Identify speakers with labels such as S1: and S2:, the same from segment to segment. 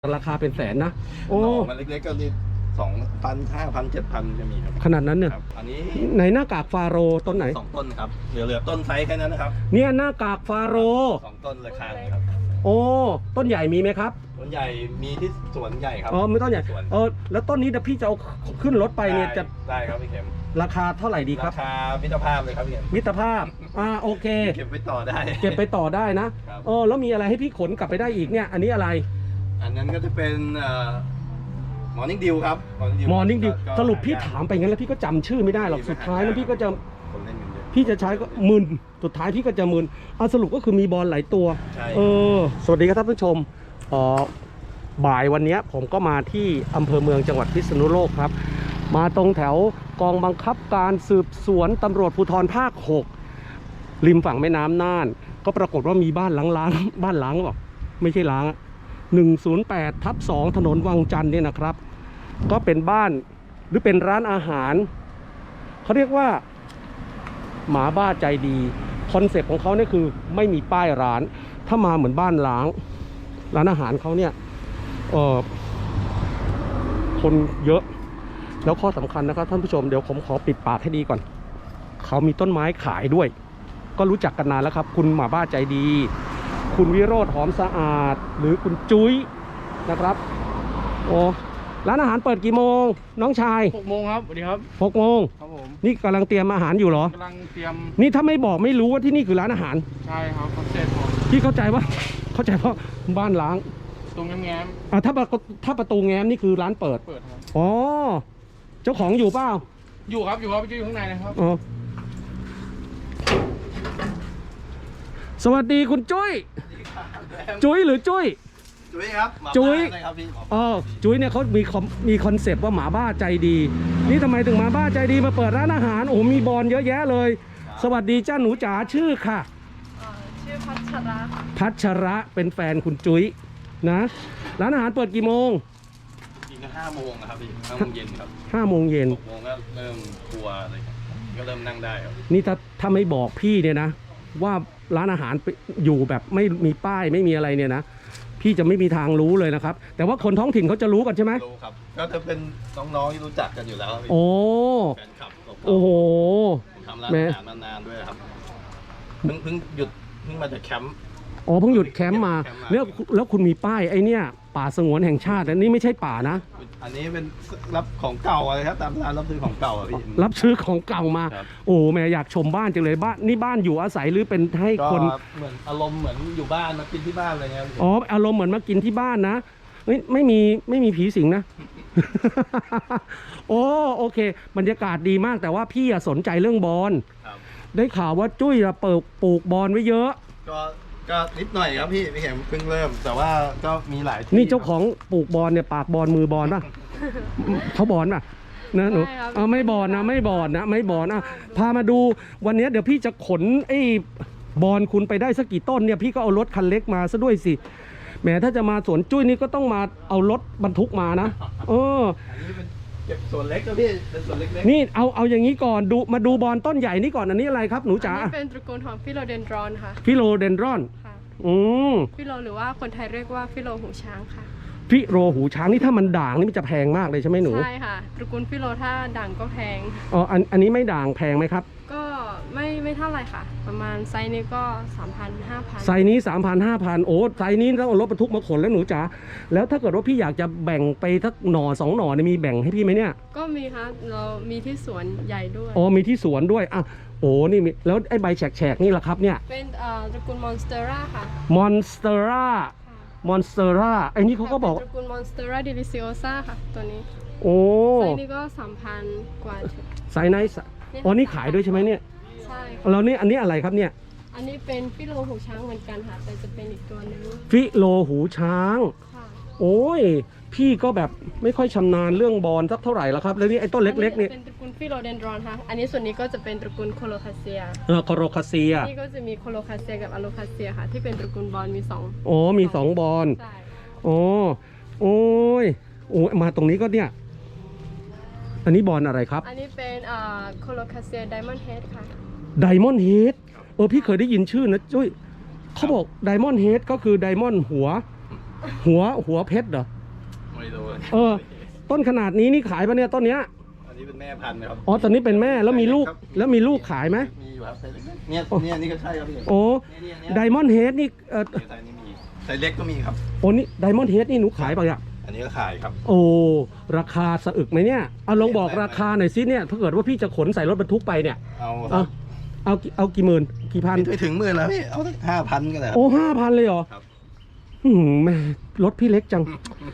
S1: ราคาเป็นแสนนะโอ้
S2: มันเล็กๆก็นี่2,000 5,000 7,000จะมีครับ
S1: ขนาดนั้นเนี่ย
S2: อันนี้
S1: ในหน้ากากฟาโรต้นไหน
S2: 2 ต้นครับเหลือต้นไซส์แค่นั้นนะครับ
S1: เนี่ยหน้ากากฟาโร
S2: 2 ต้นราคาครับ
S1: โอ้ต้นใหญ่มีไหมครับ
S2: ต้นใหญ่มีที่สวนใหญ่ครับ
S1: ไม่ต้นใหญ่แล้วต้นนี้เดี๋ยวพี่จะเอาขึ้นรถไปเนี่ยจะ
S2: ได้ครับพี่เข็ม
S1: ราคาเท่าไหร่ดีครับ
S2: ราคามิตรภาพเลยครับพี่เข็ม
S1: มิตรภาพโอเค
S2: เก็บไปต่อได้
S1: นะแล้วมีอะไรให้พี่ขนกลับไปได้อีกเนี่ยอันนี้อะไร
S2: อันนั้นก็จะเป็นMorning Dew ครับ
S1: Morning Dew สรุปพี่ถามไปงั้นแล้วพี่ก็จำชื่อไม่ได้หรอกสุดท้ายแล้วพี่ก็จะพี่จะใช้ก็มึนสุดท้ายพี่ก็จะมึนสรุปก็คือมีบอลหลายตัวสวัสดีครับท่านผู้ชมบ่ายวันนี้ผมก็มาที่อำเภอเมืองจังหวัดพิษณุโลกครับมาตรงแถวกองบังคับการสืบสวนตำรวจภูธรภาค6ริมฝั่งแม่น้ำน่านก็ปรากฏว่ามีบ้านล้างบ้านล้างหรอไม่ใช่ล้าง108/2ถนนวังจันทร์เนี่ยนะครับก็เป็นบ้านหรือเป็นร้านอาหารเขาเรียกว่าหมาบ้าใจดีคอนเซ็ปต์ของเขาเนี่ยคือไม่มีป้ายร้านถ้ามาเหมือนบ้านล้างร้านอาหารเขาเนี่ยคนเยอะแล้วข้อสำคัญนะครับท่านผู้ชมเดี๋ยวผมขอปิดปากให้ดีก่อนเขามีต้นไม้ขายด้วยก็รู้จักกันนานแล้วครับคุณหมาบ้าใจดีคุณวิโรธหอมสะอาดหรือคุณจุ้ยนะครับร้านอาหารเปิดกี่โมงน้องชาย
S3: 6 โมงครับสวัสดีครับ
S1: 6 โมง
S3: ครับผม
S1: นี่กำลังเตรียมอาหารอยู่เหรอก
S3: ำลังเตรียม
S1: นี่ถ้าไม่บอกไม่รู้ว่าที่นี่คือร้านอาหาร
S3: ใช่ครับคอนเซ็ปต์
S1: พี่เข้าใจว่าบ้านล้าง
S3: ตรงแง้ม
S1: ถ้าประตูแง้มนี่คือร้านเปิด
S3: ครับ
S1: เจ้าของอยู่เปล่า
S3: อยู่ครับอยู่ข้างในนะครับ
S1: สวัสดีคุณจุ้ยหรือจุ้ย
S2: ครับ
S1: จุ้ยจุ้ยเนี่ยเขามีคอนเซปต์ว่าหมาบ้าใจดีนี่ทำไมถึงหมาบ้าใจดีมาเปิดร้านอาหารมีบอลเยอะแยะเลยสวัสดีจ้าหนูจ๋าชื่อค่ะ
S4: ชื่อพัช
S1: ระเป็นแฟนคุณจุ้ยนะร้านอาหารเปิดกี่โมง
S2: จริงก็5 โมงนะครับพี่5 โมงเย็นครับ
S1: 5 โมงเย็น
S2: 6 โมงก็เริ่มครัวอะไรก็เริ่มนั่งได้ครับ
S1: นี่ถ้าไม่บอกพี่เนี่ยนะว่าร้านอาหารอยู่แบบไม่มีป้ายไม่มีอะไรเนี่ยนะพี่จะไม่มีทางรู้เลยนะครับแต่ว่าคนท้องถิ่นเขาจะรู้กันใช่ไหม
S2: รู้ครับก็จะเป็นน้องๆที่รู้จักกันอยู่แล้วแฟนคลับ
S1: โอ้โห
S2: ทำร้านอาหารมานานด้วยครับเพิ่งมาจากแคมป์
S1: เพิ่งหยุดแคมป์มาแล้วคุณมีป้ายไอ้เนี่ยป่าสงวนแห่งชาติอันนี้ไม่ใช่ป่านะ
S2: อันนี้เป็นรับของเก่าอะไรครับตามร้านรับซื้อของเก่าพี่
S1: รับซื้อของเก่ามาแม่อยากชมบ้านจังเลยบ้านอยู่อาศัยหรือเป็นให้คน
S2: เหมือนอารมณ์เหมือนอยู่บ้านมากินที่บ้านอะไรเงี้ย
S1: อารมณ์เหมือนมากินที่บ้านนะไม่มีผีสิงนะ โอเคบรรยากาศดีมากแต่ว่าพี่สนใจเรื่องบอลได้ข่าวว่าจุ้ยปลูกบอลไว้เยอะ
S2: ก็นิดหน่อยครับพี่เข็มเพิ่งเริ่มแต่ว่าก็มีหลายที่
S1: นี่เจ้าของปลูกบอลเนี่ยปากบอลมือบอลป่ะ เขาบอลป่ะนะหนูไม่บอลนะพามาดูวันนี้เดี๋ยวพี่จะขนไอ้บอลคุณไปได้สักกี่ต้นเนี่ยพี่ก็เอารถคันเล็กมาซะด้วยสิแหมถ้าจะมาสวนจุ้ยนี่ก็ต้องมาเอารถบรรทุกมานะ
S2: อันนี้เป็นเก็บส่วนเล็กครับพี่เป็นส่วนเล็ก
S1: นี่เอาอย่างนี้ก่อนมาดูบอลต้นใหญ่นี่ก่อนอันนี้อะไรครับหนูจ๋า
S4: อันนี้เป็นตระกูลของฟิโลเดนดรอนค่ะ
S1: ฟิโลเดนดรอน
S4: ฟิโลหรือว่าคนไทยเรียกว่าฟิโลหูช้างค่ะ
S1: ฟิโลหูช้างนี่ถ้ามันด่างนี่มันจะแพงมากเลยใช่ไหมหนู
S4: ใช่ค่ะตระกูลฟิโลถ้าด่างก็แพง
S1: อันนี้ไม่ด่างแพงไหมครับ
S4: ก็ไม่เท่าไหร่ค่ะประมาณไซส์นี้ก็ 3,000-5,000
S1: ไซส์นี้ 3,000-5,000ไซส์นี้ต้องเอารถบรรทุกมาขนแล้วหนูจ๋าแล้วถ้าเกิดว่าพี่อยากจะแบ่งไปสักหน่อ2 หน่อเนี่ยมีแบ่งให้พี่ไหมเนี่ย
S4: ก็มีค่ะเรามีที่สวนใหญ่ด้วย
S1: มีที่สวนด้วยนี่แล้วไอ้ใบแฉกนี่ล่ะครับเนี่ย
S4: เป็นตระกูลมอนสเตอร่าค่ะ
S1: มอนสเตอร่าไอ้นี่เขาก็บอก
S4: ตระกูลมอนสเตอร่าเดลิซิโอซ่าค่ะตัวนี้ไซส์นี้ก็ 3,000 กว่า
S1: ไซส์ไหนนี่ขายด้วยใช่ไหมเนี่ย
S4: ใช่
S1: แล้วนี่อันนี้อะไรครับเนี่ย
S4: อันนี้เป็นฟิโลหูช้างเหมือนกันค่ะแต่จะเป็นอีกตัวนึง
S1: ฟิโลหูช้างพี่ก็แบบไม่ค่อยชำนาญเรื่องบอลสักเท่าไหร่แล้วครับแล้วนี่ไอ้ต้นเล็กๆนี่
S4: เป็นตระกูลฟิโลเดนดรอนค่ะอันนี้ส่วนนี้ก็จะเป็นตระกูลโคโลคาเซียนี่ก็จะมีโคโลคาเซียกับอะโลคาเซียค่ะที่เป็นตระกูลบอลมี2
S1: มี2บอล
S4: ใช่
S1: มาตรงนี้ก็เนี่ยอันนี้บอลอะไรครับ
S4: อันนี้เป็นโคโลคาเซียไดมอนด์เฮดค่ะ
S1: ไดมอนด์เฮดพี่เคยได้ยินชื่อนะจุ้ยเขาบอกไดมอนด์เฮดก็คือไดมอนด์หัวหัวเพชรเหรอ
S2: ไม่รู้
S1: ต้นขนาดนี้นี่ขายปะเนี่ยต้นเนี้ย
S2: อันนี้เป็นแม่พันธุ์นะครับ
S1: อ๋อตอนนี้เป็นแม่แล้วมีลูกแล้วมีลูกขายไหม
S2: มีอยู่ครับไซส์เล็กเนี่ยนี่ก็ใช่ครับพี่
S1: โอ้
S2: เนี่ย
S1: ไดมอนด์เฮดนี่
S2: ไซส์นี้มีไซส์เล็กก็มีครับ
S1: โอ้นี่ไดมอนด์เฮดนี่หนูขายป่ะเนี่ย
S2: อันนี้ก็ขายครับ
S1: โอ้ราคาสะอึกไหมเนี่ยเอาลองบอกราคาหน่อยสิเนี่ยถ้าเกิดว่าพี่จะขนใส่รถบรรทุกไปเนี่ย เอากี่หมื่นกี่พัน
S2: ไม่ถึงหมื่นแล้วพี่เอาสัก5,000ก็ได้
S1: โอ้5,000เลยเหรอ
S2: ครับ
S1: แม่รถพี่เล็กจัง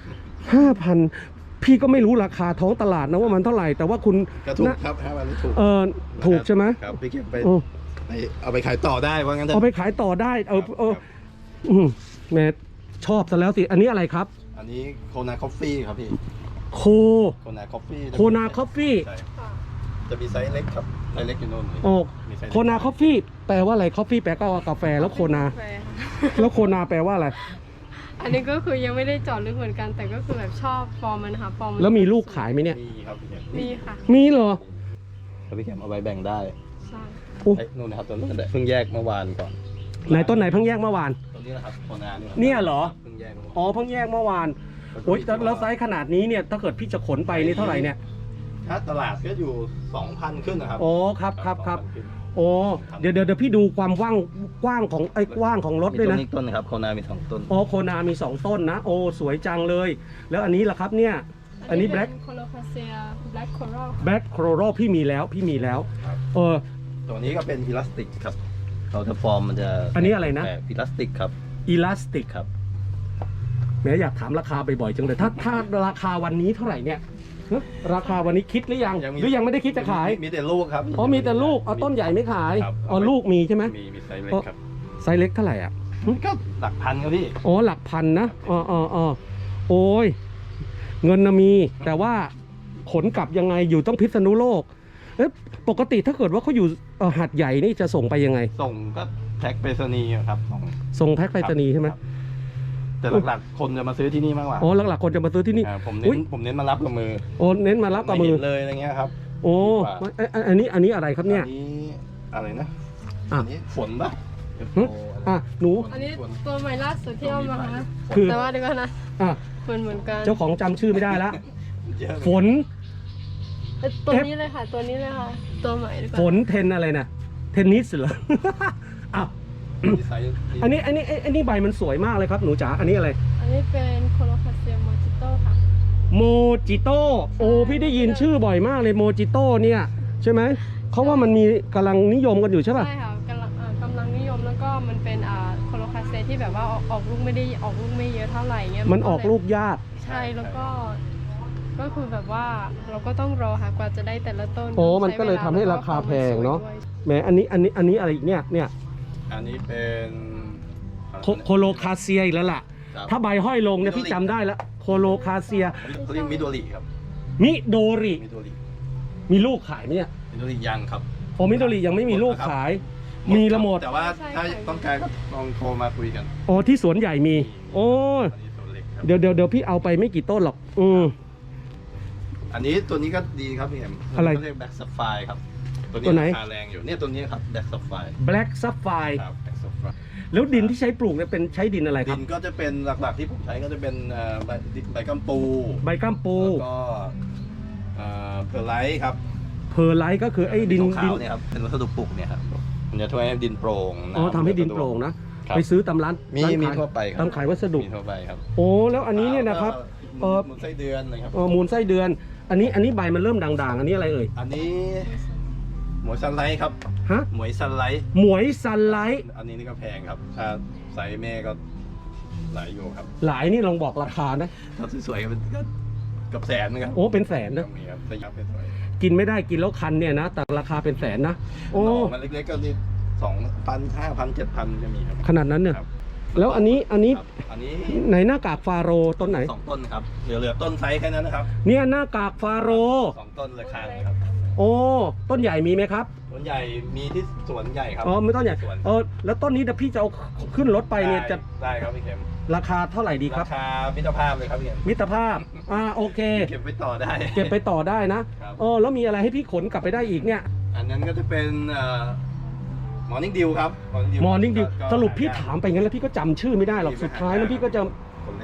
S1: 5,000พี่ก็ไม่รู้ราคาท้องตลาดนะว่ามันเท่าไหร่แต่ว่าคุณ
S2: ก็ถูกครับ5,000ถูก
S1: ถูกใช่ไหม
S2: ครับพี่เก็บไปเอาไปขายต่อได้ว่างั้นเถอะ
S1: เอาไปขายต่อได้แม่ชอบซะแล้วสิอันนี้อะไรครับ
S2: อันนี้โคนาคอฟฟี่ครับพี่
S1: โค
S2: โคนาคอฟฟี่
S1: โคนาคอฟฟี่
S2: จะมีไซส์เล็กครับไซส์เล็กอยู่โน่น
S1: โอ้
S2: มีไซส์
S1: โคนาคอฟฟี่แปลว่าอะไรคอฟฟี่แปลก็กาแฟแล้วโคนา
S4: แฟร์ค่ะ
S1: แล้วโคนาแปลว่าอะไร
S4: อันนี้ก็คือยังไม่ได้เจาะลึกเหมือนกัน แต่ก็คือแบบชอบฟอร์มมันนะคะฟอร์มน
S1: แล้วมีลูกขายไหมเนี่ย
S2: มีครับพี่เข็ม
S4: มีค่ะ
S1: มีเหรอ
S2: แล้วพี่เข็มเอาไว้แบ่งได้
S4: ใช่
S1: โอ้
S2: ไอ้นู่นนะครับตัวนู้นเพิ่งแยกเมื่อวานก่อน
S1: ไหนต้นไหนเพิ่งแยกเมื่อวาน
S2: ตัวนี้นะครับโคนาเนี่ย
S1: เนี่ยเหรอ
S2: เพิ่งแยกเมื่อวาน
S1: อ๋อเพิ่งแยกเมื่อวานโอ้ยแล้วไซส์ขนาดนี้เนี่ยถ้าเกิดพี่จะขนไปนี่เท่าไหร่เนี่ย
S2: ถ้าตลาดก็อยู่ 2,000 ขึ้นนะครับ
S1: โอ้ครับครับ
S2: 2,000ขึ้น
S1: โอ้เดี๋ยวพี่ดูความกว้างของกว้างของรถด้วยนะ
S2: มีต้นนะครับโคนามี2ต้น
S1: อ๋อโคนามี2ต้นนะโอ้สวยจังเลย แล้วอันนี้ล่ะครับเนี่ยอันนี้แบล็ค
S4: โคโลคาเซียแบล็คโคโร
S1: แบล็คโคโรพี่มีแล้วเออ
S2: ตัวนี้ก็เป็นอิลาสติกครับเขาจะฟอร์มมันจะ
S1: อันนี้อะไรนะ
S2: อิลาสติกครับ
S1: อิลาสติก
S2: ครับ
S1: แหม้อยากถามราคาบ่อยๆจังเลยถ้าราคาวันนี้เท่าไหร่เนี่ยฮะราคาวันนี้คิดหรือยังหรือยังไม่ได้คิดจะขาย
S2: มีแต่ลูกครับ
S1: อ๋อมีแต่ลูกเอาต้นใหญ่ไม่ขาย
S2: ครับ
S1: อ๋อลูกมีใช่ไหม
S2: มีไซส์เล็กครับ
S1: ไซส์เล็กเท่าไหร่อ่ะ
S2: ก็หลักพันครับพี่
S1: อ๋อหลักพันนะโอ้ยเงินนะมี แต่ว่าขนกลับยังไงอยู่ต้องพิษณุโลกเอ๊ะปกติถ้าเกิดว่าเขาอยู่หาดใหญ่นี่จะส่งไปยังไง
S2: ส่งก็แพ็คไปรษณีย์ครับ
S1: ส่งแพ็คไปรษณีย์ใช่ไหม
S2: ครับแต่หลักๆคนจะมาซื้อที่นี่มากกว่า
S1: อ๋อหลักๆคนจะมาซื้อที่นี่
S2: ผม
S1: อุ๊ย
S2: เน้นมารับกับมือ
S1: โอ้เน้นมารับกับมือ
S2: ไเห็นเลยอะไรเงี้ยครับ
S1: โอ้
S2: ดีกว่า
S1: อันนี้อะไรครับเนี่ย
S2: อันนี้อะไรนะ
S1: อ่ะ
S2: อันนี้ฝนปะ
S1: หึอ่ะหนู
S4: อันนี้ตัวใหม่ล่าสุดที่เอามานะ
S1: คือ
S4: แต่ว่าเดี๋ยวก่อนนะ
S1: อ่ะ
S4: เหมือนกัน
S1: เจ้าของจำชื่อไม่ได้ละ
S2: เยอะ
S1: ฝน
S4: ตัวนี้เลยค่ะ ตัวนี้เลยค่ะ ตัวใหม่ดีกว่า
S1: ฝนเทนอะไรนะเทนนิสเหรอ อ่ะ
S2: มีไซส์
S1: อันนี้ใบมันสวยมากเลยครับหนูจ๋าอันนี้อะไร
S4: อันนี้เป็นโคโลคาเซียโมจิโต้ค่ะ
S1: โมจิโต้โอ้พี่ได้ยินชื่อบ่อยมากเลยโมจิโต้เนี่ยใช่ไหมเขาว่ามันมีกำลังนิยมกันอยู่ใช่ป่ะ
S4: ใช่ค่ะกำลังนิยมแล้วก็มันเป็นโคโลคาเซียที่แบบว่าออกลูกไม่ได้ออกลูกไม่เยอะเท่าไหร่เงี้ย
S1: มันออกลูกยาก
S4: ใช่แล้วก็คือแบบว่าเราก็ต้องรอค่ะกว่าจะได้แต่ละต้น
S1: โอ้มันก็เลยทำให้ราคาแพงเนาะแหมอันนี้อะไรอีกเนี่ย
S2: อันนี้เป็น
S1: โคโลคาเซียอีกแล้วล่ะ
S2: ครับ
S1: ถ้าใบห้อยลงเนี่ยพี่จำได้แล้วโคโลคาเซีย
S2: เขาเรียกมิโดริครับ
S1: มิโดริ
S2: มิโดริ
S1: มีลูกขายไหมเนี่ย
S2: มิโดริยังครับ
S1: โอมิโดริยังไม่มีลูกขาย มีละหมด
S2: แต่ว่าถ้าต้องการก็ลองโทรมาคุยกัน
S1: อ๋อที่สวนใหญ่มี โอ้
S2: อันนี้ตัวเล็กครับ
S1: เดี๋ยวพี่เอาไปไม่กี่ต้นหรอก
S2: อันนี้ตัวนี้ก็ดีครับพี่เอ็ม
S1: อะไร
S2: เขาเรียกแบ็กซัฟไฟครับ
S1: ตัวไหน
S2: ราคาแรงอยู่เนี่ยตัวนี้ครับแบ็กซัฟไฟ
S1: Black Sapphire
S2: ครับแบ็กซัฟไฟ
S1: แล้วดินที่ใช้ปลูกเนี่ยเป็นใช้ดินอะไรค
S2: ดิ
S1: รับ
S2: นก็จะเป็นหลักๆที่ผมใช้ก็จะเป็นใบกัมปู
S1: ใบก้ามปู
S2: แล้วก็เพอร์ไลท์ครับ
S1: เพอร์ไลท์ก็คือไอ้ดิน
S2: ขาวๆเนี่ยครับเป็นวัสดุปลูกเนี่ยครับมันจะช่วยให้ดินโปร่ง
S1: อ๋อ
S2: น้ำ
S1: ทำให้ดินโปร่งนะ
S2: ครับ
S1: ไปซื้อตามร้าน
S2: มี
S1: ร้านขาย
S2: ทั่วไปครับ
S1: ตามขายวัสดุ
S2: มีทั่วไปครับ
S1: โอ้แล้วอันนี้เนี่ยนะครับ
S2: มูลไส้เดือนนะครับ
S1: มูลไส้เดือน อันนี้ใบมันเริ่มด่างๆ อันนี้อะไรเอ่ย
S2: อันนี้หมวยซันไลท์ครับ
S1: ฮะ
S2: หมวยซันไลท์
S1: หมวยซันไลท์
S2: อันนี้นี่ก็แพงครับถ้าไซส์แม่ก็หลายอยู่ครับ
S1: หลายนี่ลองบอกราคานะ
S2: ถ้าสวยๆก็เป็นก็เกับแสนนะครับ
S1: โอ้เป็นแสนนะ
S2: มีครับแต่ยับสวย
S1: กินไม่ได้กินแล้วคันเนี่ยนะ แต่ราคาเป็นแสนนะ
S2: ๆ
S1: โอ้
S2: หน่อมันเล็กๆก็นี่2,000 5,000 7,000จะมีครับ
S1: ขนาดนั้นเนี่ย
S2: ครับ
S1: แล้วอันนี้
S2: ครับอันนี้
S1: ไหนหน้ากากฟาโรห์ต้นไหน
S2: 2 ต้นครับเหลือต้นไซส์แค่นั้นนะครับ
S1: เนี่ยหน้ากากฟาโรห์
S2: 2 ต้นเลยคางครับ
S1: โอ้ต้นใหญ่มีไหมครับ
S2: ต้นใหญ่มีที่สวนใหญ่ครับ
S1: อ๋อไม่ต้นใหญ่
S2: สวน
S1: แล้วต้นนี้เดี๋ยวพี่จะเอาขึ้นรถไปเนี่ยจะ
S2: ได้ครับพี่เข็ม
S1: ราคาเท่าไหร่ดีค
S2: รา
S1: รับ
S2: คามิตรภาพเลยครับพี่เข็ม
S1: มิตรภาพโอเค
S2: เก็บไปต่อได้
S1: เก็บไปต่อได้นะครับ แล้วมีอะไรให้พี่ขนกลับไปได้อีกเนี่ย
S2: อันนั้นก็จะเป็นมอร์นิ่งดิวครับ
S1: มอร์นิ่งดิว
S2: ก็
S1: สรุปพี่ถามไปงั้นแล้วพี่ก็จำชื่อไม่ได้หรอกสุดท้ายแล้วพี่ก็จะ
S2: คนเล่นกันเย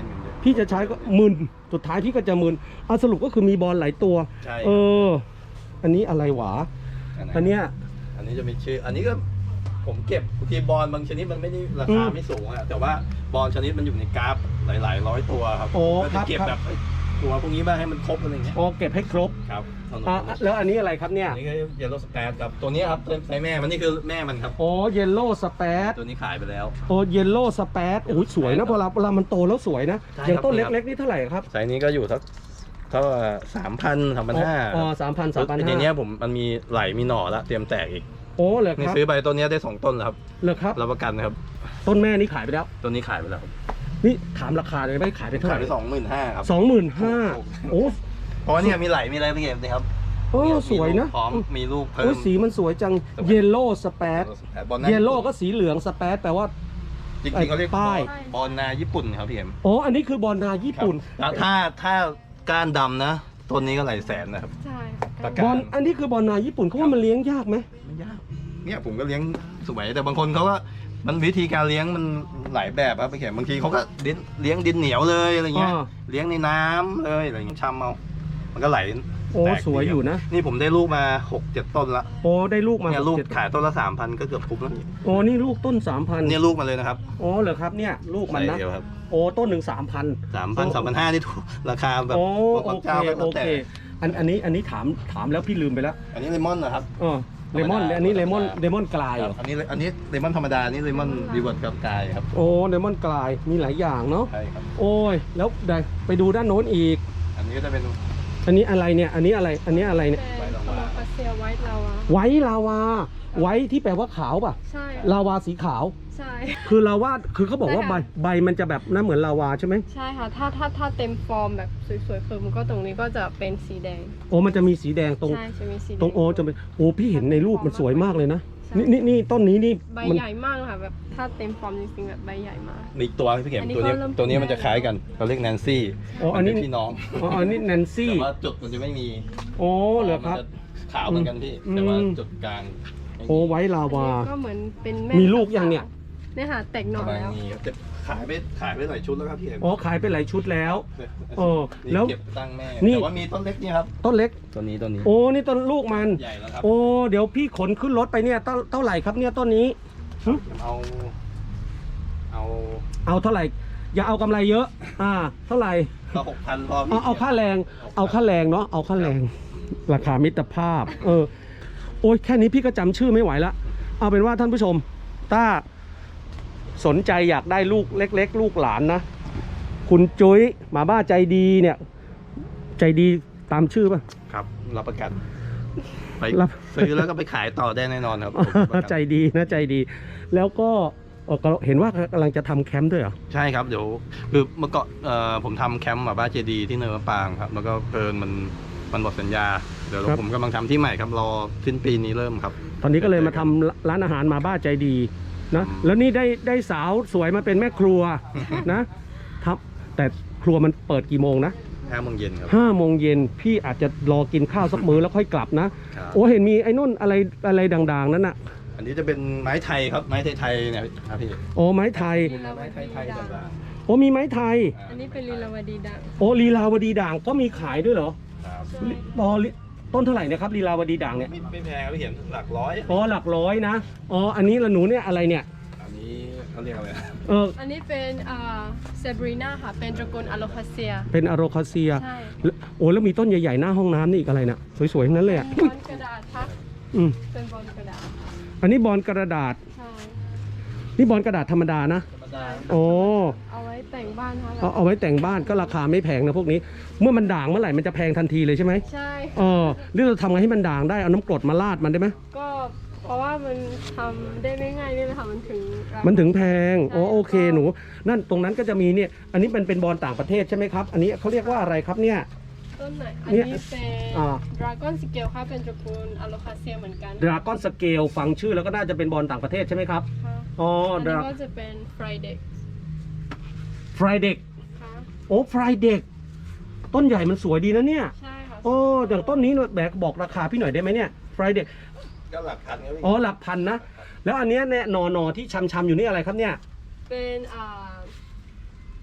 S1: พี่จะใช้ก็มึนสุดท้ายพี่ก็จะมึนสรุปก็คือมีบอลหลายตัว
S2: ใช่
S1: อันนี้อะไรหวาอันเนี้ย
S2: อันนี้จะมีชื่ออันนี้ก็ผมเก็บบางทีบอลบางชนิดมันไม่ได้ราคาไม่สูงอะแต่ว่าบอลชนิดมันอยู่ในกราฟหลายๆร้อยตัวครับก็จะเก็บแบบตัวพวกนี้มาให้มันครบอะไรเงี้ย
S1: เก็บให้ครบ
S2: ครับ
S1: แล้วอันนี้อะไรครับเนี่ย
S2: อันนี้ก็เยลโล่สเปซครับตัวนี้ครับไซแม่มันนี่คือแม่มันครับ
S1: เยลโล่สเปซ
S2: ตัวนี้ขายไปแล้ว
S1: เยลโล่สเปซโอ้ยสวยนะเวลามันโตแล้วสวยนะอย่างต้นเล็กๆนี่เท่าไหร่ครับ
S2: ไซนี้ก็อยู่สักเท่า3,000 3,500
S1: 3,000
S2: ทีนี้ผมมันมีไหลมีหน่อแล้วเตรียมแตกอีก
S1: เหรอครับ
S2: ซื้อไปต้นนี้ได้2ต้นแล้วครับ
S1: เหรอครับ
S2: รับประกันครับ
S1: ต้นแม่นี้ขายไปแล้ว
S2: ต้นนี้ขายไปแล้ว
S1: นี่ถามราคาเลยไม่ขายไปเท่าไหร่
S2: ขายไป25,000ครับ
S1: 25,000
S2: เพราะนี่มีไหลมีอะไรไปเก็บนะครับ
S1: สวยนะ
S2: พร้อมมีลูกเพิ่ม
S1: สีมันสวยจังเยลโล่สเปซเยลโล่ก็สีเหลืองสเปซแปลว่า
S2: จริงๆเขาเรียกป้ายบอลนาญี่ปุ่นครับพี่เอ็ม
S1: อันนี้คือบอลนาญี่ปุ่น
S2: ถ้าก้านดำนะต้นนี้ก็หลายแสนนะครับ
S4: ใช่
S1: บอลอันนี้คือบอลนาญี่ปุ่นเขาว่ามันเลี้ยงยากไหม
S2: ไม่ยากเนี่ยผมก็เลี้ยงสวยแต่บางคนเขาก็มันวิธีการเลี้ยงมันหลายแบบครับพี่เข็มบางทีเขาก็เลี้ยงดินเหนียวเลยอะไรเงี้ยเลี้ยงในน้ำเลยอะไรเงี้ยชำเอามันก็ไหล
S1: สวยอยู่นะ
S2: นี่ผมได้ลูกมา 6-7 ต้นละ
S1: ได้ลูกมา
S2: เนี่ยลูกขายต้นละ 3,000 ก็เกือบคุ้มแล้ว
S1: นี่ลูกต้น 3,000
S2: เนี่ยลูกมาเลยนะครับ
S1: เหรอครับเนี่ยลูกมันนะต้นหนึ่ง3,000
S2: 3,500นี่ถูกราคาแบบ
S1: โอเคอันนี้ถามแล้วพี่ลืมไปแล้ว
S2: อันนี้เลมอนนะครับ
S1: เลมอนอันนี้เลมอนกลายเหรอ
S2: อันนี้เลมอนธรรมดานี่เลมอนรีเวิร์สกับกลายครับ
S1: เลมอนกลายมีหลายอย่างเนาะ
S2: ใช่ครับ
S1: แล้วได้ไปดูด้านโน้นอีก
S2: อันนี้ก็จะเป็น
S1: อันนี้อะไรเนี่ยอันนี้อะไรเนี่ย
S4: โคโลคาเซียไวท์ลาวา
S1: ไวท์ลาวาไวท์ที่แปลว่าขาวป่ะ
S4: ใช่
S1: ลาวาสีขาว
S4: ใช่
S1: คือเขาบอกว่าใบมันจะแบบน่าเหมือนลาวาใช่ไหม
S4: ใช่ค่ะถ้าเต็มฟอร์มแบบสวยๆคือมันก็ตรงนี้ก็จะเป็นสีแดง
S1: มันจะมีสีแดงตรง
S4: ใช่จะมีสีแดง
S1: ตรงจะเป็นพี่เห็นในรูปมันสวยมากเลยนะนี่ต้นนี้นี่
S4: ใบใหญ่มากค่ะแบบถ้าเต็มฟอร์มจริงๆแบบใบใหญ่มาก
S2: มีตัวพี่เข็มตัวนี้มันจะคล้ายกันเขาเรียกแนนซี่
S1: อันนี้
S2: พี่น้อง
S1: อันนี้แนนซี่
S2: แต่ว่าจุดมันจะไม่มี
S1: เหรอครับ
S2: ขาวเหมือนกันพี่แต่ว่าจุดกลาง
S1: ไว้ลาวา
S4: ก็เหมือนเป็น
S1: มีลูกยังเนี่ย
S4: ค่ะแตกหน่อแล้ว
S2: ขายไปหลายชุดแล้วครับพี่
S1: ขายไปหลายชุดแล้ว
S2: แล้วเก็บตั้งแม่แต่ว่ามีต้นเล็กนี่ครับ
S1: ต้นเล็ก
S2: ตัวนี้
S1: นี่ต้นลูกมัน
S2: ใหญ่แล้วครับ
S1: เดี๋ยวพี่ขนขึ้นรถไปเนี่ยเท่าไหร่ครับเนี่ยต้นนี้เอาเท่าไหร่อย่าเอากำไรเยอะเท่าไหร่
S2: ก็6,000พอ
S1: เอาค่าแรงเนาะเอาค่าแรงราคามิตรภาพแค่นี้พี่ก็จำชื่อไม่ไหวละเอาเป็นว่าท่านผู้ชมถ้าสนใจอยากได้ลูกเล็กๆลูกหลานนะคุณจุ้ยหมาบ้าใจดีเนี่ยใจดีตามชื่อป่ะ
S2: ครับรับประกันไปซื้อแล้วก็ไปขายต่อได้แน่นอนครับ
S1: ใจดีนะใจดีแล้วก็เห็นว่ากำลังจะทำแคมป์ด้วยเหรอ
S2: ใช่ครับเดี๋ยวคือเมื่อก่อนผมทำแคมป์หมาบ้าใจดีที่เนินมะปรางครับแล้วก็เพลินมันหมดสัญญาเดี๋ยวผมกำลังทำที่ใหม่ครับรอสิ้นปีนี้เริ่มครับ
S1: ตอนนี้ก็เลยมาทำร้านอาหารหมาบ้าใจดีนะแล้วนี่ได้สาวสวยมาเป็นแม่ครัวนะครับแต่ครัวมันเปิดกี่โมงนะ
S2: 5 โมงเย็นครับ
S1: 5 โมงเย็นพี่อาจจะรอกินข้าวสักมื้อแล้วค่อยกลับนะเห็นมีไอ้นุ่นอะไรด่างๆนั้นน่ะ
S2: อันนี้จะเป็นไม้ไทยครับไม้ไทยเนี่ยครับพี่
S1: ไม้ไทย
S2: ไม้ไทย
S1: ด่างมีไม้ไทย
S4: อันนี้เป็นลีลาวดีด่าง
S1: ลีลาวดีด่างก็มีขายด้วยเหรอต้นเท่าไหร่นะครับลีลาวดีด่างเนี่ย
S2: ไม่แพงครับเห็นหลักร้อย
S1: หลักร้อยนะอันนี้ละหนูเนี่ยอะไรเนี่ย
S2: อันนี้เขาเรียกอะไร
S4: อันนี้เป็นเซบรีนาค่ะเป็นตระกูลอะโลคาเซีย
S1: เป็นอะโลคาเซียใช่แล้วมีต้นใหญ่ๆหน้าห้องน้ำนี่อีกอะไรน่ะสวยๆทั้งนั้นเลย
S4: บอลกระดาษครับเป็นบอลกระดาษ
S1: อันนี้บอลกระดาษ
S4: ใช่
S1: นี่บอลกระดาษธรรมดานะ
S4: เอาไว้แต่งบ้านค่ะ
S1: เอาไว้แต่งบ้านก็ราคาไม่แพงนะพวกนี้เมื่อมันด่างเมื่อไหร่มันจะแพงทันทีเลยใช่ไหม
S4: ใช่
S1: หรือเราทำไงให้มันด่างได้เอาน้ำกรดมาราดมันได้ไหม
S4: ก็เพราะว่ามันทำได้ไม่ง่ายนี่แหละค่ะมัน
S1: ถึงแพงโอเคหนูนั่นตรงนั้นก็จะมีเนี่ยอันนี้เป็นบอลต่างประเทศใช่ไหมครับอันนี้เขาเรียกว่าอะไรครับเนี่ย
S4: ต้นไหนอันนี้เป็นดราก้อนสเกลค่ะเป็นตระกูลอะโลคาเซียเหมือนกัน
S1: ดราก้อนสเกลฟังชื่อแล้วก็น่าจะเป็นบอลต่างประเทศใช่ไหมครับ
S4: อันนี้ก็จะเป็นไฟเด็ก
S1: ไฟเด็กต้นใหญ่มันสวยดีนะเนี่ย
S4: ใช่ค่ะ
S1: อย่างต้นนี้บอกราคาพี่หน่อยได้ไหมเนี่ยไฟเด็ก
S2: ก็หลักพัน
S1: หลักพันนะแล้วอันนี้เนี่ยหนอที่ชำอยู่นี่อะไรครับเนี่ย
S4: เป็น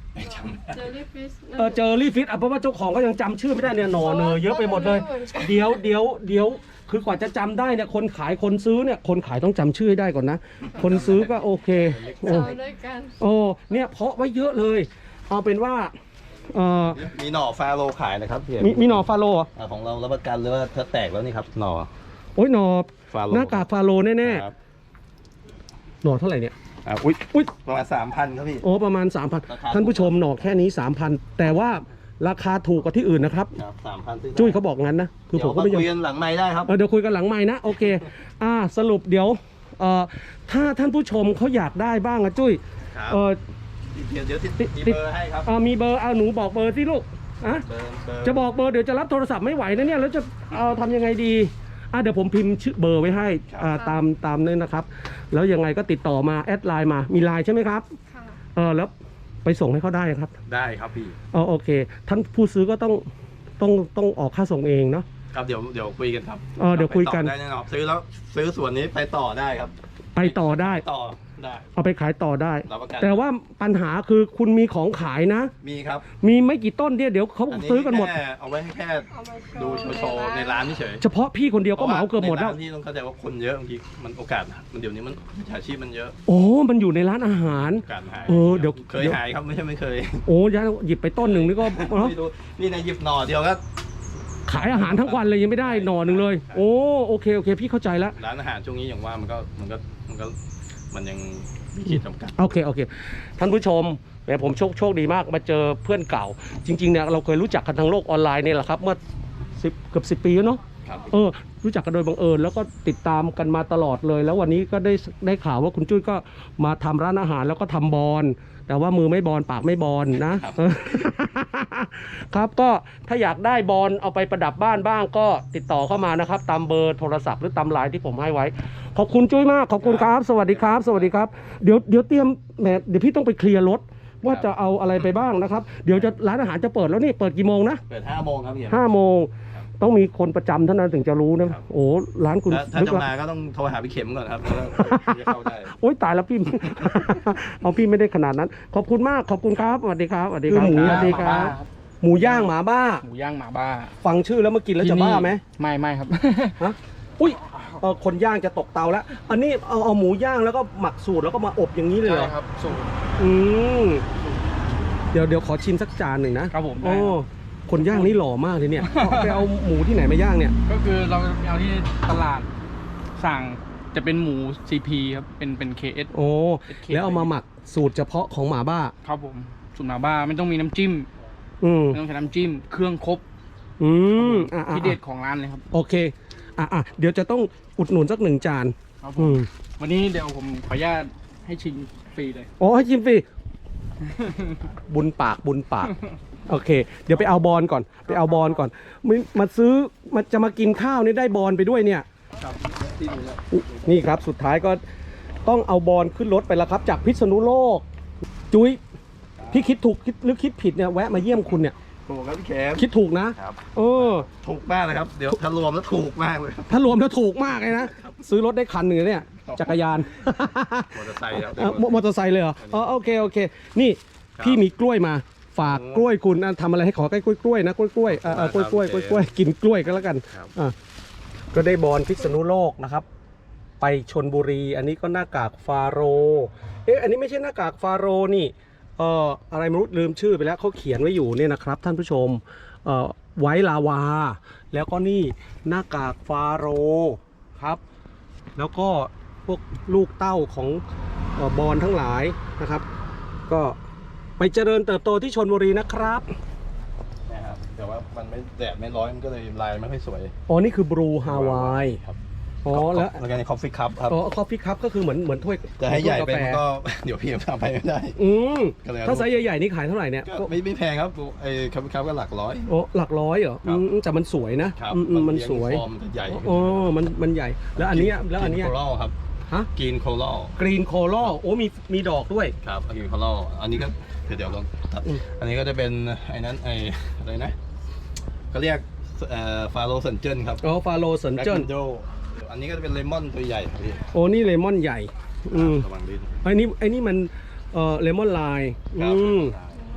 S2: จำ
S4: เจอรี่ฟิช
S1: เจอรี่ฟิตเพราะว่าเจ้าของก็ยังจำชื่อไม่ได้เนี่ยหนอเนอเยอะไปหมดเลย เดี๋ยวคือกว่าจะจำได้เนี่ยคนขายคนซื้อเนี่ยคนขายต้องจำชื่อให้ได้ก่อนนะ คนซื้อก็โอเคโอ้
S4: เจอด้วยกัน
S1: โอ้เนี่ยเพาะไว้เยอะเลย เอาเป็นว่า
S2: มีหน่อฟาโลขายนะครับพี่
S1: มีหนอฟาโลเหรอ
S2: ของเรารับประกันเลยว่าถ้าแตกแล้วนี่ครับหน่อ
S1: โอ้ยหนอ
S2: ฟาโล
S1: หน้ากากฟาโลแน่
S2: ครับ
S1: ๆหนอเท่าไหร่เนี่ย
S2: อุ้ยประมาณ3,000ครับพี่
S1: โอ้ประมาณ
S2: ราคา
S1: 3,000ท่านผู้ชมหนอแค่นี้ 3,000 แต่ว่าราคาถูกกว่าที่อื่นนะครับ
S2: ครับ3,000ซื้อได้
S1: จุ้ยเขาบอกงั้นนะคือผมก็ไม่ยอม
S2: คุยกันหลังไม้ได้ครับ
S1: เดี๋ยวคุยกันหลังไม้นะโอเคสรุปเดี๋ยวถ้าท่านผู้ชมเขาอยากได้บ้างอะจุ้ย
S2: ครับ
S1: เอ่อ
S2: เดี๋ยว
S1: ติ
S2: ติ
S1: ด
S2: ดเบอร์ให้ครับ
S1: มีเบอร์หนูบอกเบอร์สิลูกอะ
S2: เบอร์
S1: จะบอกเบอร์เดี๋ยวจะรับโทรศัพท์ไม่ไหวนะเนี่ยแล้วจะทำยังไงดีเดี๋ยวผมพิมพ์ชื่อเบอร์ไว้ให้ตามนี้นะครับ แล้วยังไงก็ติดต่อมาแอดไลน์มามีไลน์ใช่ไหมครับ
S4: ค่ะ
S1: แล้วไปส่งให้เขาได้ครับ
S2: ได้ครับพี่
S1: โอเคท่านผู้ซื้อก็ต้องออกค่าส่งเองเนาะ
S2: ครับเดี๋ยวคุยกันครับ
S1: เดี๋ยวคุยกัน
S2: ไปต่อได้แน่นอนซื้อส่วนนี้ไปต่อได้ครับ
S1: ไปต่อได้
S2: ต่อได้
S1: เอาไปขายต่อได้
S2: รับประกัน
S1: แต่ว่าปัญหาคือคุณมีของขายนะ
S2: มีครับ
S1: มีไม่กี่ต้นเนี่ยเดี๋ยวเขาซื้อกันหมด
S2: แค่เอาไว้ให้แค่
S4: เอามา
S2: ดูโชว์ในร้านเฉย
S1: เฉพาะพี่คนเดียวก็เหมาเกือบหมดแล้ว
S2: ในร้านที่ต้องเข้าใจว่าคนเยอะบางทีมันโอกาสมันเดี๋ยวนี้มันมิจฉาชีพมันเยอะ
S1: โอ้มันอยู่ในร้านอาหาร
S2: โอกาสหาย
S1: เดี๋ยว
S2: เคยหายครับไม่ใช่ไม่เคย
S1: โอ้ยายหยิบไปต้นหนึ่งนี่ก็เนอะ
S2: ไม่รู้นี่นะหยิบหน่อเดียวก็
S1: ขายอาหารทั้งวันเลยยังไม่ได้หน่อหนึ่งเลย โอ้โอเคพี่เข้าใจแล้ว
S2: ร้านอาหารช่วงนี้อย่างว่ามันยังมีขีดจำกัด
S1: โอเคท่านผู้ชมแหมผมโชคดีมากมาเจอเพื่อนเก่า จริงๆเนี่ยเราเคยรู้จักกันทางโลกออนไลน์นี่แหละครับเมื่อเกือบ10 ปีแล้วเนาะ
S2: ครับ
S1: รู้จักกันโดยบังเอิญแล้วก็ติดตามกันมาตลอดเลย แล้ววันนี้ก็ได้ข่าวว่าคุณจุ้ยก็มาทำร้านอาหารแล้วก็ทำบอลแต่ว่ามือไม่บอลปากไม่บอลนะครับ ครับก็ถ้าอยากได้บอลเอาไปประดับบ้านบ้างก็ติดต่อเข้ามานะครับตามเบอร์โทรศัพท์หรือตามไลน์ที่ผมให้ไว้ขอบคุณจุ้ยมากขอบคุณครับสวัสดีครับ สวัสดีครับเดี๋ยวเตรียมเดี๋ยวพี่ต้องไปเคลียร์รถว่าจะเอาอะไรไปบ้างนะครับเดี๋ยวจะร้านอาหารจะเปิดแล้วนี่เปิดกี่โมงนะ
S2: เปิด5 โมงครับพี่
S1: 5 โมงต้องมีคนประจำเท่านั้นถึงจะรู้นะโอ้ร้านคุณ
S2: ถ้า
S1: ลึก
S2: จะ
S1: ละ
S2: มาก็ต้องโทรหาพี่เข็มก่อนครับแล้วจะเข้าได้
S1: โอ๊ยตายแล้วพี่ เอาพี่ไม่ได้ขนาดนั้น ขอบคุณมากขอบคุณครับสวัสดีครับสวัสดีครับ
S3: หมู
S1: สวัสดีครับ หมูย่างหมาบ้า
S3: หมูย่างหมาบ้า
S1: ฟังชื่อแล้วมากินแล้วจะบ้าไหม
S3: ไม่ครับ
S1: ฮะอุ้ยคนย่างจะตกเตาแล้ว อันนี้เอาหมูย่างแล้วก็หมักสูตรแล้วก็มาอบอย่างนี้เลยเหรอ
S3: ใช่ครับสูตร
S1: อืมเดี๋ยวขอชิมสักจานหนึ่งนะครับ
S3: ผม
S1: โอ้คนย่างนี่หล่อมากเลยเนี่ยไปเอาหมูที่ไหนมาย่างเนี่ย
S3: ก็คือเราเอาที่ตลาดสั่งจะเป็นหมู CP ครับเป็น KS
S1: โอ้แล้วเอามาหมักสูตรเฉพาะของหมาบ้า
S3: ครับผมสูตรหมาบ้าไม่ต้องมีน้ำจิ้ม ไม่ต้องใช้น้ำจิ้มเครื่องครบ ที่เด็ดของร้านเลยครับ
S1: โอเคเดี๋ยวจะต้องอุดหนุนสัก1 จาน
S3: ครับผมวันนี้เดี๋ยวผมขออนุญาตให้ชิมฟรีเลย
S1: โอ้ให้ชิมฟรี บุญปากโอเค เดี๋ยวไปเอาบอลก่อนมาซื้อจะมากินข้าวนี่ได้บอลไปด้วยเนี่ย
S3: ครับที่ดูแล้ว
S1: นี่ครับสุดท้ายก็ต้องเอาบอลขึ้นรถไปแล้วครับ จากพิษณุโลก จุ้ยพี่คิดถูกหรือคิดผิดเนี่ยแวะมาเยี่ยมคุณเนี่ย
S2: ถูกครับพี่เข็ม
S1: คิดถูกนะครับ
S2: ถูกมากเลยครับเดี๋ยวถ้ารวมแล้วถูกมากเลยครับ
S1: ถ้ารวมแล้วถูกมากเลยนะซื้อรถได้คันหนึ่งเลยเนี่ยจักรยาน
S2: มอเตอร์ไซค์ครับ
S1: มอเตอร์ไซค์เลยเหรอโอเคนี่พี่มีกล้วยมาฝากกล้วยคุณทำอะไรให้ขอใกล้กล้วยนะกล้วยกล้วยกินกล้วยก็แล้วกันก็ได้บอลพิษณุโลกนะครับไปชลบุรีอันนี้ก็หน้ากากฟาโรอันนี้ไม่ใช่หน้ากากฟาโรนี่อะไรไม่รู้ลืมชื่อไปแล้วเขาเขียนไว้อยู่เนี่ยนะครับท่านผู้ชมไว้ลาวาแล้วก็นี่หน้ากากฟาโรครับแล้วก็พวกลูกเต้าของบอลทั้งหลายนะครับก็ไปเจริญเติบโตที่ชลบุรีนะครับ
S2: นะครับแต่ว่ามันไม่แดดไม่ร้อนมันก็เลยลายไม่ค่อยสวย
S1: นี่คือบรูฮาวาย
S2: ครับ
S1: แล้ว
S2: กันในคอฟฟี่คัพครับ
S1: คอฟฟี่คัพก็คือเหมือนถ้วย
S2: จะให้ใหญ่เป็น
S1: ถ้วยกาแฟ
S2: ก็ เดี๋ยวพี่ทำไปไม่ได้ ก็เลยเอา
S1: ถ้าไซส์ใหญ่ๆนี่ขายเท่าไหร่เนี่ย
S2: ก็ไม่แพงครับไอ้คอฟฟี่คัพก็หลักร้อย
S1: หลักร้อยเหรอ
S2: ครับ
S1: แต่มันสวยนะครับ มันสวย
S2: ฟอร์มมันจะใหญ่
S1: มันใหญ่แล้วอันเนี้ย
S2: โคลอลครับ
S1: ฮะ
S2: กรีนโคลอล
S1: กรีนโคลอมีดอกด้วย
S2: ครับกรีนโคลอลอันนี้ก็เดี๋ยวลองตัดอันนี้ก็จะเป็นไอ้นั้นอะไรนะก็เรียกฟาโรเซนเจนครับ
S1: ฟาโรเซนเจน
S2: อันนี้ก็จะเป็นเลมอนตัวใหญ่ครับพี่
S1: นี่เลมอนใหญ่
S2: ระวังลิ้น
S1: ไอ้นี่มันเลมอนลาย
S2: ครับ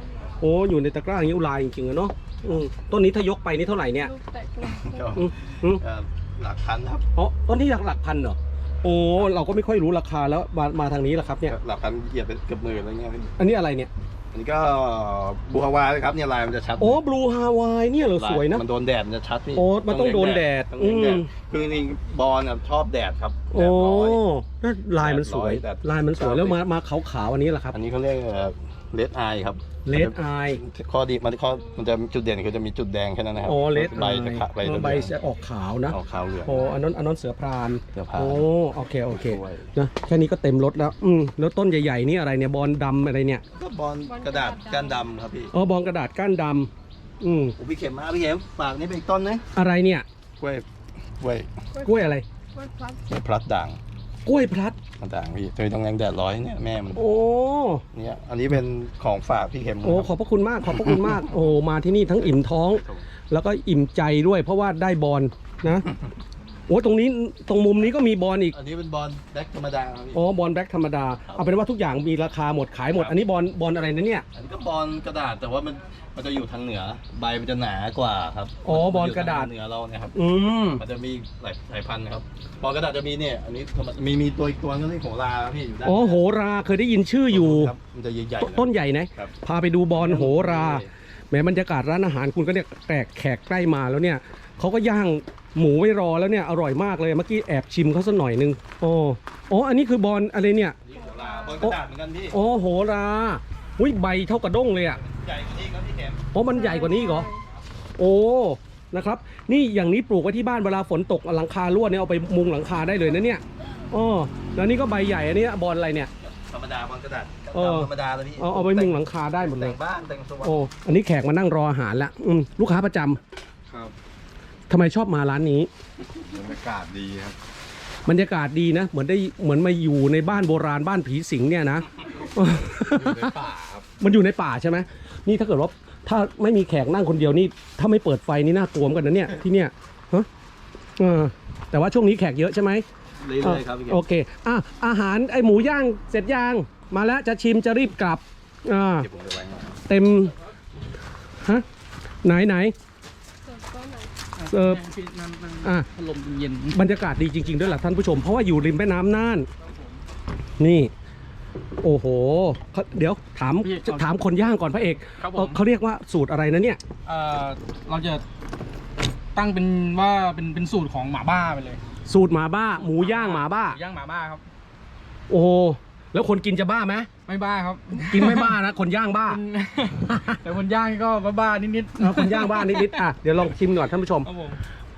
S1: โอ้อยู่ในตะกร้าอย่างนี้อุลายจริงๆอะเนาะต้นนี้ถ้ายกไปนี่เท่าไหร่เนี่ย
S4: ลูกแตกเลย
S2: ก็หลักพันครับ
S1: อ๋อต้นนี้หลักพันเหรอโอ้เราก็ไม่ค่อยรู้ราคาแล้วมาทางนี้แหละครับเนี่ย
S2: หลักพันเหยียบไปเกือบหมื่นอะไรเงี้ย
S1: อันนี้อะไรเนี่ย
S2: อันนี้ก็บูฮาวายครับเนี่ยลายมันจะชัด
S1: โอ้บลูฮาวายเนี่ยเหรอสวยนะ
S2: มันโดนแดดมันจะชัดพี่
S1: โอ้มันต้องโดนแดด
S2: ต้องเลี้ยงแดดคือจริงๆบอลชอบแดดครับแด
S1: โอ้
S2: ดร้อย
S1: นั่นลายมันสวย
S2: แดดร้อย
S1: ลายมันสวยแล้วมาขาวๆอันนี้แหละครับ
S2: อันนี้เขาเรียกเลดไอครับ
S1: เลดไอ
S2: ข้อดีมันจะจุดเด่นคือจะมีจุดแดงแค่นั้นนะครับ
S1: อ๋อเลด
S2: ใบ
S1: ไอ
S2: จะขะใบจะ
S1: ใบจะออกขาวนะ
S2: ออกขาวเหลือง
S1: โอ้อันนั้นเสือพราน
S2: เสือพราน
S1: โอ้โอเค
S2: สวย
S1: นะแค่นี้ก็เต็มรถแล้วแล้วต้นใหญ่ๆนี่อะไรเนี่ยบอลดำอะไรเนี่ย
S2: ก็บอลกระดาษก้านดำครับพี่
S1: อ๋อบอลกระดาษก้านดำ
S2: โอ้พี่เข็มมาพี่เข็มฝากนี่เป็นอีกต้นนึง
S1: อะไรเนี่ย
S2: กล้วยกล้วย
S1: กล้วยอะไร
S4: กล้วยพลัส
S2: พลัดด่าง
S1: กล้วยพลัด
S2: ด่างพี่ตัวนี้ต้องแรงแดดร้อยเนี่ยแม่มัน
S1: โอ้
S2: เนี่ยอันนี้เป็นของฝากพี่เข็ม
S1: โอ้ขอบพระคุณมากขอบพระคุณมาก โอ้มาที่นี่ทั้งอิ่มท้อง แล้วก็อิ่มใจด้วยเพราะว่าได้บอลนะโอ้ตรงนี้ตรงมุมนี้ก็มีบอลอีก
S2: อันนี้เป็นบอลแบล็กธรรมดาครับพี่
S1: อ๋อบอลแบล็กธรรมดาเอาเป็นว่าทุกอย่างมีราคาหมดขายหมด อันนี้บอลอะไรนะเนี่ย
S2: อันนี้ก็บอลกระดาษแต่ว่ามันจะอยู่ทางเหนือใบมันจะหนากว่าครับ
S1: อ๋อบอลกระดาษ
S2: เหนือเราเนี่ยครับ
S1: ม
S2: มันจะมีหลายสายพันธุ์ครับบอลกระดาษจะมีเนี่ยอันนี้มีตัวอีกตัวนึงที่โหราพี่อยู่ด้าน
S1: อ๋อโหราเคยได้ยินชื่ออยู่
S2: ครับมันจะใหญ่ๆ
S1: ต้นใหญ่นะครับ พาไปดูบอลโหราแหมบรรยากาศร้านอาหารคุณก็เนี่ยแขกใกล้มาแล้วเนี่ยเขาก็ย่างหมูไว้รอแล้วเนี่ยอร่อยมากเลยเมื่อกี้แอบชิมเขาสักหน่อยนึงอ๋ออันนี้คือบอลอะไรเนี่ย
S2: นี่โหราบอลกระดาษเหมือนกันพี่
S1: อ๋อโหราอุ้ยใบเท่ากระด้งเลยอ่ะ
S2: ใหญ่กว่านี้ครับพี่เข็ม
S1: อ๋อมันใหญ่กว่านี้อีกเหรอโอ้นะครับนี่อย่างนี้ปลูกไว้ที่บ้านเวลาฝนตกหลังคารั่วเนี่ยเอาไปมุงหลังคาได้เลยนะเนี่ยอ๋อแล้วนี่ก็ใบใหญ่อันนี้บอลอะไรเนี่ย
S2: ธรรมดาบอลกระดาษ
S1: ธ
S2: รรมดาเลยพี่
S1: เอาไปมุงหลังคาได้หมดเล
S2: แต่
S1: ย
S2: งบ้านแต่งสวน
S1: โอ้อันนี้แขกมานั่งรออาหารละลูกค้าประจำ
S2: ครับ
S1: ทำไมชอบมาร้านนี้
S2: บรรยากาศดีครับ
S1: บรรยากาศดีนะเหมือนมาอยู่ในบ้านโบราณบ้านผีสิงเนี่ยนะ
S2: อยู่ในป่าครับ
S1: มันอยู่ในป่าใช่ไหมนี่ถ้าเกิดว่าถ้าไม่มีแขกนั่งคนเดียวนี่ถ้าไม่เปิดไฟนี่น่ากลัวเหมือนกันนะเนี่ยที่เนี่ยฮะแต่ว่าช่วงนี้แขกเยอะใช่ไหม
S2: เรื่อยๆครับพี่เข็ม
S1: โอเคอาหารไอหมูย่างเสร็จย่างมาแล้วจะชิมจะรีบกลับ
S2: เดี๋ยวผมจะไว้ให้
S1: เต็มฮะไหน
S4: เสิร์ฟก็ไหน
S1: เสิร์ฟ
S3: พัดลมเย็น
S1: บรรยากาศดีจริงๆด้วยล่ะท่านผู้ชมเพราะว่าอยู่ริมแม่น้ำน่านนี่ โอ้โหเดี๋ยวถามคนย่างก่อนพระเอก
S3: ครับผม
S1: เขาเรียกว่าสูตรอะไรนะเนี่ย
S3: เราจะตั้งเป็นว่าเป็นสูตรของหมาบ้าไปเลย
S1: สูตรหมาบ้าหมูย่างหมาบ้า
S3: หมูย่างหมาบ้าครับ
S1: โอ้โหแล้วคนกินจะบ้าไหม
S3: ไม่บ้าครับ
S1: กินไม่บ้านะ คนย่างบ้า
S3: แต่คนย่างก็บ้าๆนิด
S1: คนย่างบ้านิดๆเดี๋ยวลองชิมหน่อยท่านผู้ชม
S3: ครับผม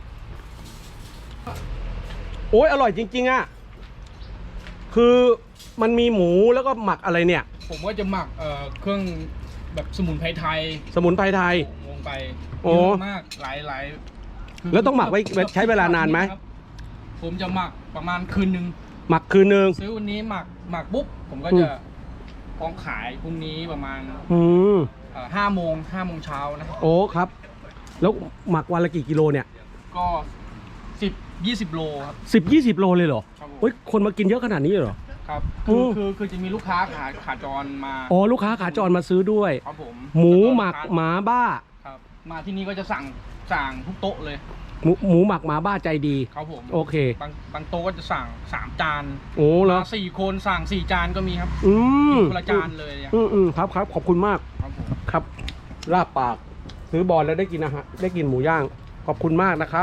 S1: โอ้ยอร่อยจริงๆอ่ะคือมันมีหมูแล้วก็หมักอะไรเนี่ย
S3: ผมก็จะหมักเครื่องแบบสมุนไพรไทย
S1: สมุนไพรไทย
S3: ลงไป
S1: โอ้
S3: เยอะมากหลายคื
S1: แล้วต้องหมักไว้ใช้เวลานานไหม
S3: ครับผมจะหมักประมาณคืนนึง
S1: หมักคืนนึง
S3: ซื้อวันนี้หมักปุ๊บผมก็จะพร้อมขายพรุ่งนี้ประมาณ 5 โมงเช้านะ
S1: โอ้ครับ แล้วหมักวันละกี่กิโลเนี่ย
S3: ก็10-20 โลครับ
S1: 10-20 โลเลยเหรอ
S3: ครับผม
S1: โอ้ยคนมากินเยอะขนาดนี้เลยเหรอ
S3: ครับ
S1: โอ้
S3: คือจะมีลูกค้าขาจรมา
S1: อ๋อลูกค้าขาจรมาซื้อด้วย
S3: ครับผม
S1: หมูหมักหมาบ้า
S3: ครับมาที่นี่ก็จะสั่งทุกโต๊ะเลย
S1: หมูหมักหมาบ้าใจดี
S3: ครับผม
S1: โอเค
S3: บางโต๊ะก็จะสั่ง3 จาน
S1: โอ้เหรอ
S3: มา4 คนสั่ง4 จานก็มีครับ คนละจานเลยอะ
S1: ครับขอบคุณมาก
S3: ครับผม
S1: ครับลาบปากซื้อบอลแล้วได้กินอาหารได้กินหมูย่างขอบคุณมากนะครับ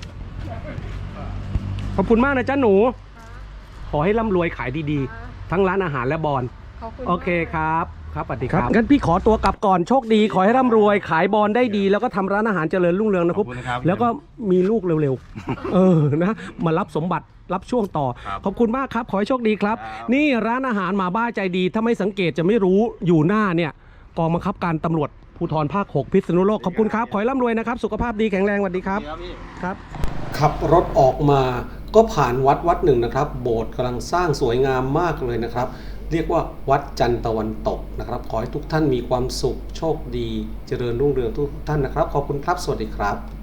S1: ขอบคุณมากนะจ๊ะหนู ขอให้ร่ำรวยขายดีๆ ทั้งร้านอาหารและบอล
S4: ขอบคุณ
S1: โอเค
S4: มาก
S1: ครับครับสวัสดีครับงั้นพี่ขอตัวกลับก่อนโชคดีขอให้ร่ำรวยขายบอลได้ดี แล้วก็ทำร้านอาหารเจริญรุ่งเรืองนะครับ
S2: ขอบคุณนะครับ
S1: แล้วก็มีลูกเร็วๆ นะมารับสมบัติรับช่วงต่อ
S2: ครับ
S1: ขอบคุณมากครับขอให้โชคดีครับ
S2: ครับ
S1: นี่ร้านอาหารหมาบ้าใจดีถ้าไม่สังเกตจะไม่รู้อยู่หน้าเนี่ยกองบังคับการตำรวจภูธรภาค 6 พิษณุโลกขอบคุณครับขอให้ร่ำรวยนะครับสุขภาพดีแข็งแรงสวัสดีครับ
S2: ครับพี่
S1: ครับขับรถออกมาก็ผ่านวัดหนึ่งนะครับ โบสถ์กำลังสร้างสวยงามมากเลยนะครับ เรียกว่าวัดจันทร์ตะวันตกนะครับ ขอให้ทุกท่านมีความสุขโชคดีเจริญรุ่งเรืองทุกท่านนะครับ ขอบคุณครับสวัสดีครับ